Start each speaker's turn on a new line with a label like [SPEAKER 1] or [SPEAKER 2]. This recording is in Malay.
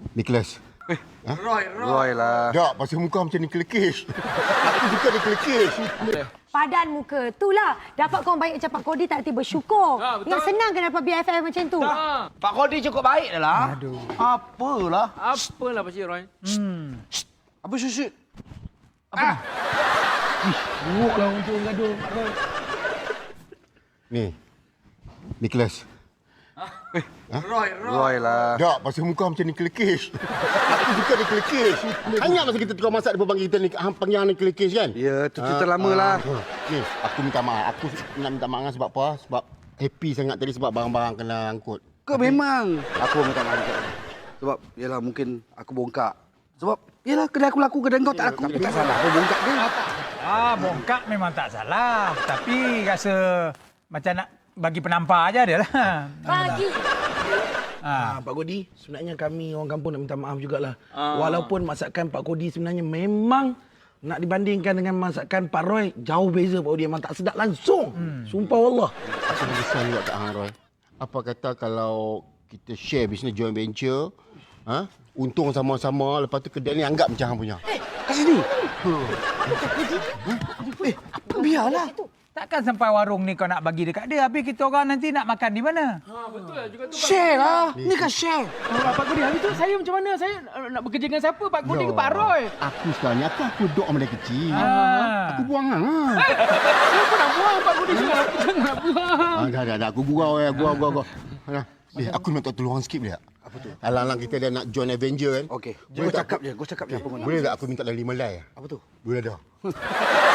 [SPEAKER 1] Nicholas.
[SPEAKER 2] Roy lah.
[SPEAKER 1] Tak, pasal muka macam Nicholas Cage. Aku suka Nicholas Cage.
[SPEAKER 3] Padan muka. Itulah. Dapat kawan baik macam Pak Kodi tak tiba bersyukur. Yang senang kan dapat BFF macam tu.
[SPEAKER 2] Pak Kodi cukup baik dah lah.
[SPEAKER 4] Aduh.
[SPEAKER 2] Apalah.
[SPEAKER 5] Apalah Pakcik Roy?
[SPEAKER 2] Apa syut?
[SPEAKER 4] Buruklah untuk gaduh, Pak Roy.
[SPEAKER 1] Ni. Nicholas.
[SPEAKER 2] Roy lah.
[SPEAKER 1] Tak, pasal muka macam Nicholas Cage. Aku suka Nicholas Cage. Ingat masa kita tukar masak, dia panggil kita panggil Nicholas Cage kan?
[SPEAKER 2] Ya, tu cerita lama lah.
[SPEAKER 1] Ni, aku minta maaf. Aku nak minta maaf sebab apa? Sebab happy sangat tadi sebab barang-barang kena angkut.
[SPEAKER 2] Ke memang. Aku minta maaf juga. Sebab, yelah mungkin aku bongkak. Sebab, yelah kedai aku laku, kedai kau tak laku. Tapi tak salah, aku bongkak dia.
[SPEAKER 4] Bongkak memang tak salah. Tapi rasa macam nak bagi penampar aja dia lah.
[SPEAKER 3] Bagi.
[SPEAKER 6] Pak Kodi, sebenarnya kami orang kampung nak minta maaf jugalah. Walaupun masakan Pak Kodi sebenarnya memang nak dibandingkan dengan masakan Pak Roy, jauh beza Pak Kodi. Memang tak sedap langsung. Sumpah Allah.
[SPEAKER 1] Aku menyesal juga Kak Hang Roy. Apa kata kalau kita share bisnes joint venture, untung sama-sama, lepas tu kedai ni anggap macam Hang punya.
[SPEAKER 2] Kat sini. Apa biarlah.
[SPEAKER 4] Takkan sampai warung ni kau nak bagi dekat dia, habis kita orang nanti nak makan di mana?
[SPEAKER 5] Betul lah juga tu.
[SPEAKER 2] Share lah. Ni kan share.
[SPEAKER 5] Pak Kodi, habis tu saya macam mana? Saya nak bekerja dengan siapa? Pak Kodi ke Pak Roy?
[SPEAKER 1] Aku sekarang ni, aku duduk sama dia kecil. Aku buang Hang.
[SPEAKER 5] Saya pun nak buang Pak Kodi. Jangan buang.
[SPEAKER 1] Dah. Aku gurau. Aku minta tolong sikit boleh tak? Apa tu? Alang-alang kita dah nak join Avenger kan?
[SPEAKER 2] Okey. Kau cakap je apa kau nak.
[SPEAKER 1] Boleh tak aku minta dah 5 lai?
[SPEAKER 2] Apa tu?
[SPEAKER 1] Boleh dah.